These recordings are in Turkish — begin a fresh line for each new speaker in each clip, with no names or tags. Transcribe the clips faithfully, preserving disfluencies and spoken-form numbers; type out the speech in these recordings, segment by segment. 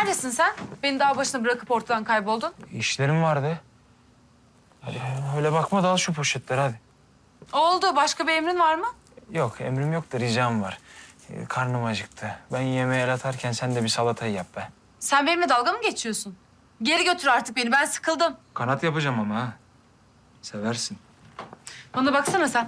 Neredesin sen? Beni dağ başına bırakıp ortadan kayboldun.
İşlerim vardı. Hadi öyle bakma da al şu poşetleri hadi.
Oldu. Başka bir emrin var mı?
Yok emrim yok da ricam var. Ee, karnım acıktı. Ben yemeğe el atarken sen de bir salatayı yap be.
Sen benimle dalga mı geçiyorsun? Geri götür artık beni. Ben sıkıldım.
Kanat yapacağım ama ha. Seversin.
Bana baksana sen.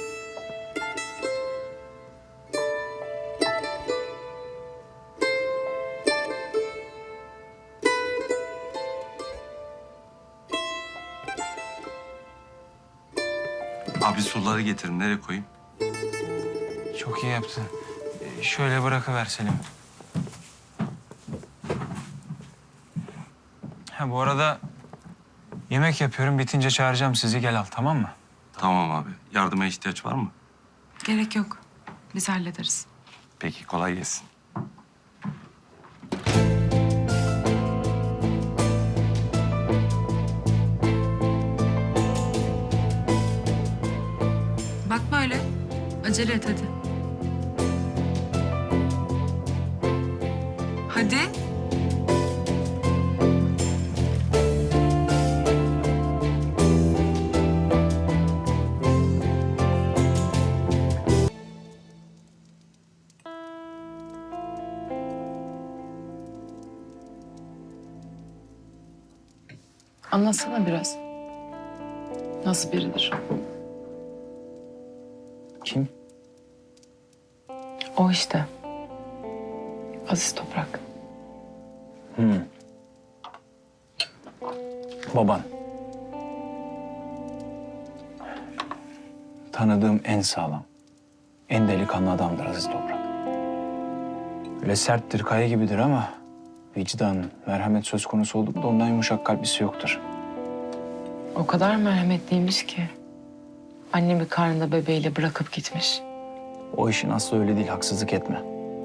Abi suları getirin. Nereye koyayım?
Çok iyi yaptın. Ee, şöyle bırakıver Selim. Ha bu arada yemek yapıyorum. Bitince çağıracağım sizi. Gel al tamam mı?
Tamam abi. Yardıma ihtiyaç var mı?
Gerek yok. Biz hallederiz.
Peki kolay gelsin.
Bakma öyle. Acele et hadi. Hadi. Anlatsana biraz. Nasıl biridir?
Kim?
O işte. Aziz Toprak.
Hmm. Baban. Tanıdığım en sağlam, en delikanlı adamdır Aziz Toprak. Öyle serttir, kaya gibidir ama vicdan, merhamet söz konusu oldu mu da ondan yumuşak kalbisi yoktur.
O kadar merhametliymiş ki. Annemi karnında bebeğiyle bırakıp gitmiş.
O işin aslı öyle değil, haksızlık etme.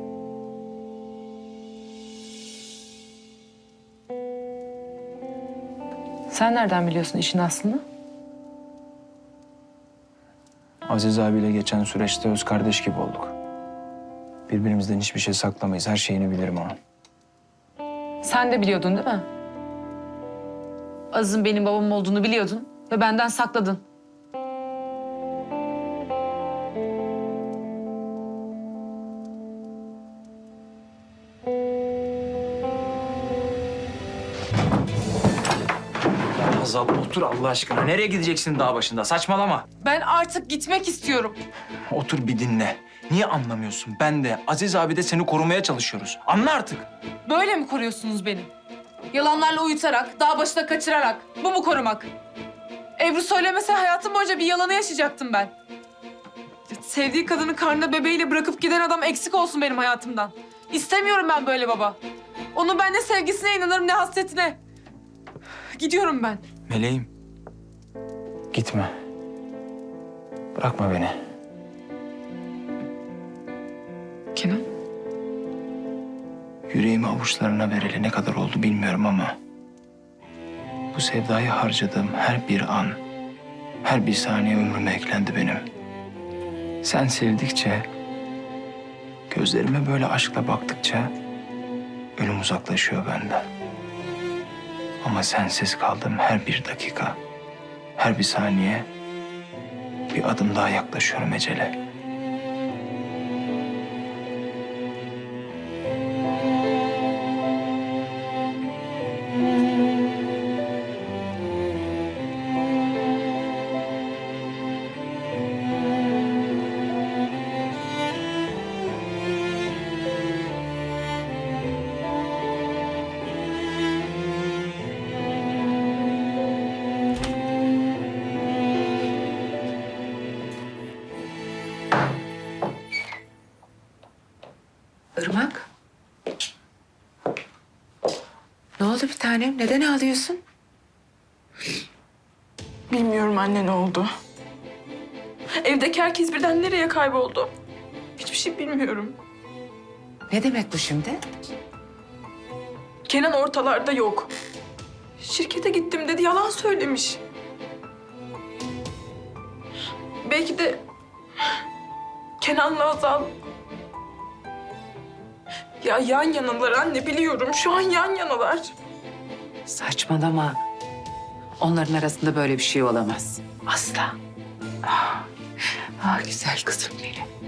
Sen nereden biliyorsun işin aslını?
Aziz abiyle geçen süreçte öz kardeş gibi olduk. Birbirimizden hiçbir şey saklamayız, her şeyini bilirim onun.
Sen de biliyordun değil mi? Aziz'in benim babam olduğunu biliyordun ve benden sakladın.
Hazal otur Allah aşkına. Nereye gideceksin dağ başında? Saçmalama.
Ben artık gitmek istiyorum.
Otur bir dinle. Niye anlamıyorsun? Ben de Aziz abi de seni korumaya çalışıyoruz. Anla artık.
Böyle mi koruyorsunuz beni? Yalanlarla uyutarak, dağ başına kaçırarak. Bu mu korumak? Ebru söylemese hayatım boyunca bir yalanı yaşayacaktım ben. Sevdiği kadını karnında bebeğiyle bırakıp giden adam eksik olsun benim hayatımdan. İstemiyorum ben böyle baba. Onun ben ne sevgisine inanırım ne hasretine. Gidiyorum ben.
Meleğim. Gitme. Bırakma beni.
Kenan?
Yüreğimi avuçlarına vereli ne kadar oldu bilmiyorum ama... bu sevdayı harcadığım her bir an, her bir saniye ömrüme eklendi benim. Sen sevdikçe, gözlerime böyle aşkla baktıkça... ölüm uzaklaşıyor benden. Ama sensiz kaldığım her bir dakika, her bir saniye... bir adım daha yaklaşıyorum ecele.
Irmak? Ne oldu bir tanem? Neden ağlıyorsun?
Bilmiyorum anne ne oldu. Evdeki herkes birden nereye kayboldu? Hiçbir şey bilmiyorum.
Ne demek bu şimdi?
Kenan ortalarda yok. Şirkete gittim dedi, yalan söylemiş. Belki de Kenan'la Azal Ya yan yanalar anne, biliyorum. Şu an yan yanalar.
Saçmalama. Onların arasında böyle bir şey olamaz. Asla. Ah, ah güzel kızım benim.